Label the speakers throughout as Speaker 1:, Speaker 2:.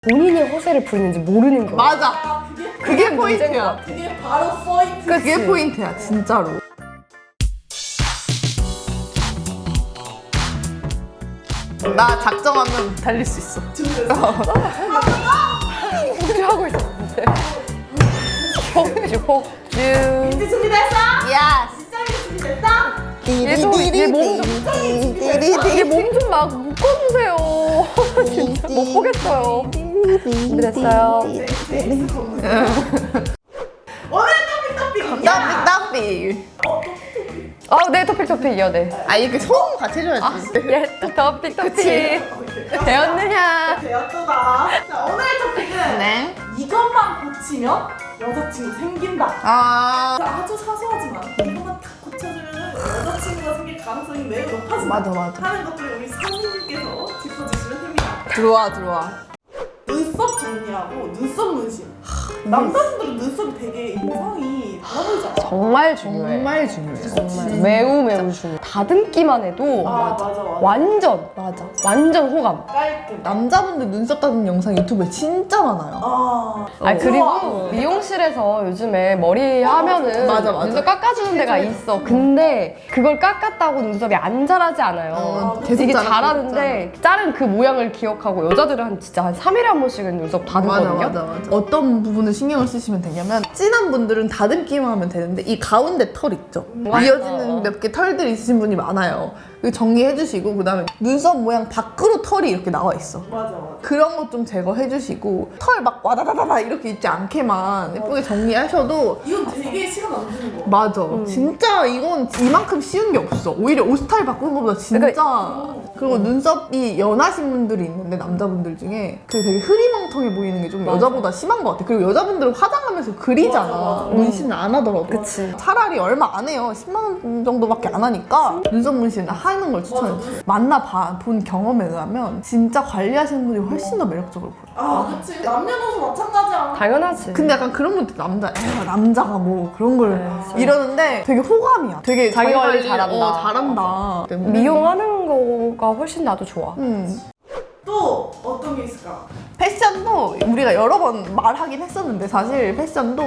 Speaker 1: 본인이 허세를 부리는지 모르는 거야.
Speaker 2: 맞아. 그게 포인트야.
Speaker 3: 그게 바로 포인트.
Speaker 2: 그게 포인트야, 진짜로. 나 작정하면 달릴 수 있어.
Speaker 1: 폭주하고 있었는데. 폭주.
Speaker 3: 이제 준비됐어?
Speaker 2: 야.
Speaker 3: 시작이 준비됐어?
Speaker 1: 얘 몸 좀 막 묶어주세요. 진짜 못 보겠어요. 준비됐어요.
Speaker 3: 오늘 토픽.
Speaker 2: 따삐.
Speaker 1: 네, 토픽이요, 네.
Speaker 2: 아, 이렇게 소음 같이 해줘야지.
Speaker 1: 예, 토픽. 되었느냐?
Speaker 3: 되었다. 자, 오늘의 토픽은
Speaker 2: 네.
Speaker 3: 이것만 고치면 여자친구 생긴다.
Speaker 2: 아.
Speaker 3: 아주 사소하지만 이것만 딱 고쳐주면 여자친구가 생길 가능성이 매우 높아진다.
Speaker 2: 맞아.
Speaker 3: 하는 것들을 우리 선생님께서 짚어주시면 됩니다.
Speaker 2: 들어와.
Speaker 3: 눈썹 정리하고 눈썹 문신. 남자분들은 눈썹이 되게 인상이 달라 보이잖아.
Speaker 1: 정말 중요해.
Speaker 2: 정말 중요해.
Speaker 1: 정말 매우 중요해. 다듬기만 해도
Speaker 3: 맞아.
Speaker 1: 완전 호감.
Speaker 3: 깔끔.
Speaker 2: 남자분들 눈썹 다듬는 영상 유튜브에 진짜 많아요.
Speaker 1: 그리고 미용실에서 요즘에 머리 하면은
Speaker 2: 맞아.
Speaker 1: 눈썹 깎아주는 데가 있어. 근데 그걸 깎았다고 눈썹이 안 자라지 않아요.
Speaker 2: 계속
Speaker 1: 되게
Speaker 2: 자라고
Speaker 1: 자라는데 자른 그 모양을 기억하고 여자들은 진짜 한 3일에 한 번씩은 눈썹 다듬거든요.
Speaker 2: 맞아. 어떤 부분을 신경을 쓰시면 되냐면 진한 분들은 다듬기만 하면 되는데 이 가운데 털 있죠? 이어지는 몇 개 털들이 있으신 분이 많아요. 이거 정리해주시고 그다음에 눈썹 모양 밖으로 털이 이렇게 나와 있어.
Speaker 3: 맞아.
Speaker 2: 그런 것 좀 제거해주시고 털 막 와다다다다 이렇게 있지 않게만 예쁘게 정리하셔도
Speaker 3: 이건 되게 시간 안 드는 거.
Speaker 2: 맞아. 진짜 이건 이만큼 쉬운 게 없어. 오히려 옷 스타일 바꾸는 것보다 진짜. 그리고 눈썹이 연하신 분들이 있는데 남자분들 중에 그게 되게 흐리멍텅해 보이는 게 좀 여자보다 심한 것 같아. 그리고 여자분들은 화장하면서 그리잖아.
Speaker 3: 맞아.
Speaker 2: 문신을 안 하더라도.
Speaker 1: 그치.
Speaker 2: 차라리 얼마 안 해요. 10만 원 정도밖에 안 하니까 눈썹 문신을 하는 걸 추천해. 본 경험에 의하면 진짜 관리하시는 분이 훨씬 더 매력적으로 보여.
Speaker 3: 그치. 남녀노소 마찬가지야.
Speaker 1: 당연하지.
Speaker 2: 근데 약간 그런 분들 남자가 뭐 그런 걸 이러는데 되게 호감이야. 되게
Speaker 1: 자기 관리 잘한다.
Speaker 2: 잘한다.
Speaker 1: 미용하는 거가 훨씬 나도 좋아.
Speaker 3: 또 어떤 게 있을까?
Speaker 2: 패션도 우리가 여러 번 말하긴 했었는데 사실 패션도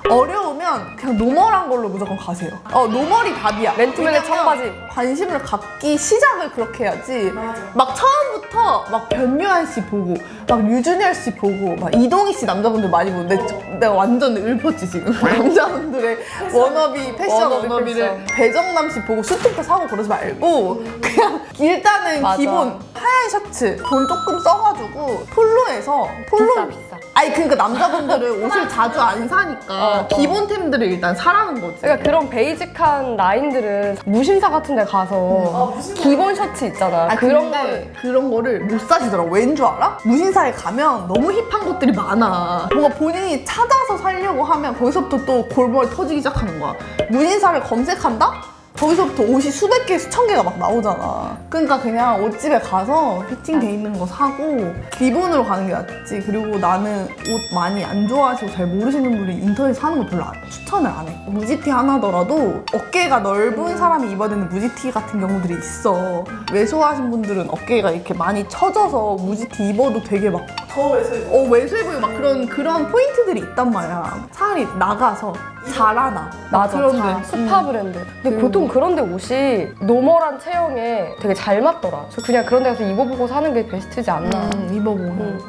Speaker 2: 어려우면 그냥 노멀한 걸로 무조건 가세요. 노멀이 답이야.
Speaker 1: 맨투맨의
Speaker 2: 왜냐면
Speaker 1: 청바지.
Speaker 2: 관심을 갖기 시작을 그렇게 해야지.
Speaker 3: 맞아.
Speaker 2: 막 처음부터 막 변요한 씨 보고 막 유준열 씨 보고 막 이동희 씨 남자분들 많이 보는데 내가 완전 읊었지 지금. 남자분들의 워너비 패션
Speaker 1: 워너비
Speaker 2: 워너비를
Speaker 1: 패션.
Speaker 2: 배정남 씨 보고 수트부터 사고 그러지 말고 그냥 일단은
Speaker 1: 맞아.
Speaker 2: 기본 하얀 셔츠 돈 조금 써가지고 폴로에서
Speaker 1: 비싸.
Speaker 2: 아니 그러니까 남자분들은 옷을 자주 안 사니까 기본템들을 일단 사라는 거지.
Speaker 1: 그러니까 그런 베이직한 라인들은 무신사 같은 데 가서
Speaker 3: 무신사.
Speaker 1: 기본 셔츠 있잖아. 그런 거를
Speaker 2: 그런 거를 못 사시더라고. 왠 줄 알아? 무신사에 가면 너무 힙한 것들이 많아. 뭔가 본인이 찾아서 살려고 하면 거기서부터 또 골머리 터지기 시작하는 거야. 무신사를 검색한다? 거기서부터 옷이 수백 개, 수천 개가 막 나오잖아. 그러니까 그냥 옷집에 가서 피팅돼 있는 거 사고 기본으로 가는 게 낫지. 그리고 나는 옷 많이 안 좋아하시고 잘 모르시는 분이 인터넷 사는 거 별로 추천을 안 해. 무지티 하나더라도 어깨가 넓은 사람이 입어야 되는 무지티 같은 경우들이 있어. 왜소하신 분들은 어깨가 이렇게 많이 처져서 무지티 입어도 되게 막
Speaker 3: 더 외소해.
Speaker 2: 외소해 보이고 막 그런 포인트들이 있단 말이야. 차라리 나가서 자라나.
Speaker 1: 맞아.
Speaker 2: 그런데.
Speaker 1: 스파 브랜드. 근데 보통 그런데 옷이 노멀한 체형에 되게 잘 맞더라. 그래서 그냥 그런 데 가서 입어보고 사는 게 베스트지 않나.
Speaker 2: 입어보고.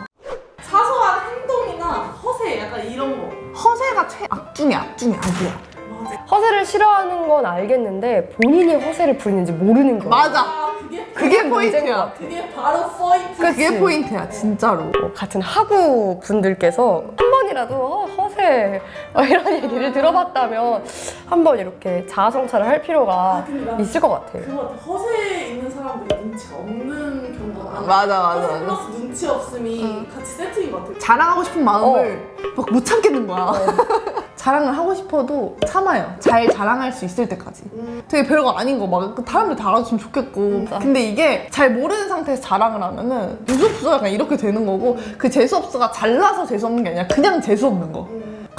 Speaker 3: 사소한 행동이나 허세 약간 이런 거.
Speaker 2: 허세가 악 중에 악이야.
Speaker 1: 허세를 싫어하는 건 알겠는데 본인이 허세를 부리는지 모르는 거야.
Speaker 2: 맞아. 그게
Speaker 1: 문제인 것
Speaker 2: 포인트야.
Speaker 1: 같아.
Speaker 3: 그게 바로 포인트.
Speaker 2: 그게 포인트야, 진짜로.
Speaker 1: 같은 하구 분들께서 한 번이라도 허세 이런 얘기를 들어봤다면 한번 이렇게 자아성찰을 할 필요가 있을 것 같아요.
Speaker 3: 그거 허세 있는 사람들이 눈치가 없는 경우가 많아.
Speaker 2: 맞아.
Speaker 3: 허세 플러스 눈치 없음이 같이 세트인 것 같아.
Speaker 2: 자랑하고 싶은 마음을 막 못 참겠는 거야. 자랑을 하고 싶어도 참아요. 잘 자랑할 수 있을 때까지. 되게 별거 아닌 거 막 사람들 다 알아줬으면 좋겠고. 근데 이게 잘 모르는 상태에서 자랑을 하면은 재수없어 약간 이렇게 되는 거고 그 재수없어가 잘나서 재수없는 게 아니라 그냥 재수없는 거.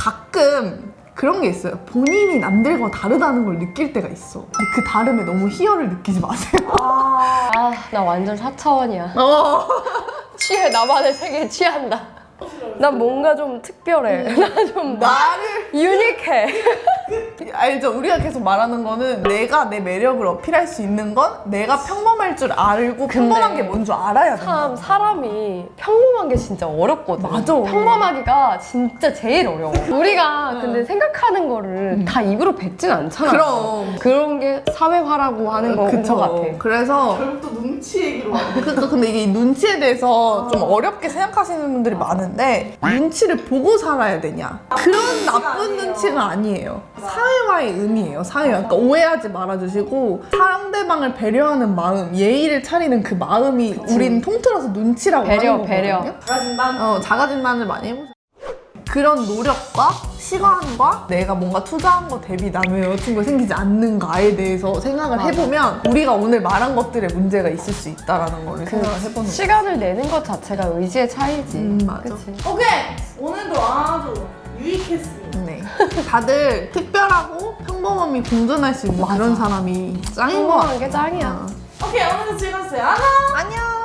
Speaker 2: 가끔 그런 게 있어요. 본인이 남들과 다르다는 걸 느낄 때가 있어. 근데 그 다름에 너무 희열을 느끼지 마세요.
Speaker 1: 나 완전 4차원이야. 취해. 나만의 세계에 취한다. 난 뭔가 좀 특별해. 나 좀
Speaker 2: 나를
Speaker 1: 유니크해.
Speaker 2: 알죠? 우리가 계속 말하는 거는 내가 내 매력을 어필할 수 있는 건 내가 평범할 줄 알고 평범한 게 뭔 줄 알아야 돼.
Speaker 1: 참 사람이 평범한 게 진짜 어렵거든.
Speaker 2: 맞아.
Speaker 1: 평범하기가 진짜 제일 어려워. 우리가 근데 생각하는 거를 다 입으로 뱉진 않잖아.
Speaker 2: 그럼.
Speaker 1: 그런 게 사회화라고 하는 거인 것 같아.
Speaker 2: 그래서
Speaker 3: 결국 또 눈치 얘기로 왔네.
Speaker 2: 그러니까 근데 이게 눈치에 대해서 좀 어렵게 생각하시는 분들이 많은데 눈치를 보고 살아야 되냐? 그런 나쁜 눈치가 아니에요. 사회화의 의미예요. 사회화. 그러니까 오해하지 말아주시고 상대방을 배려하는 마음, 예의를 차리는 그 마음이 우린 통틀어서 눈치라고
Speaker 1: 배려,
Speaker 2: 하는
Speaker 1: 배려.
Speaker 2: 거거든요.
Speaker 3: 자신감.
Speaker 2: 자가진단을 많이 해보세요. 그런 노력과 시간과 내가 뭔가 투자한 거 대비 남의 여자친구가 생기지 않는가에 대해서 생각을 해보면 우리가 오늘 말한 것들에 문제가 있을 수 있다라는 걸 생각을 해보는 거예요.
Speaker 1: 시간을 내는 것 자체가 의지의 차이지.
Speaker 2: 맞아.
Speaker 1: 그치?
Speaker 3: 오케이. 오늘도 아주 유익했습니다.
Speaker 2: 네. 다들 특별하고 평범함이 공존할 수 있는 그런 사람이 짱인 것 같아.
Speaker 1: 평범한 게 짱이야.
Speaker 3: 오케이, 오늘도 즐거웠어요. 안녕.
Speaker 2: 안녕.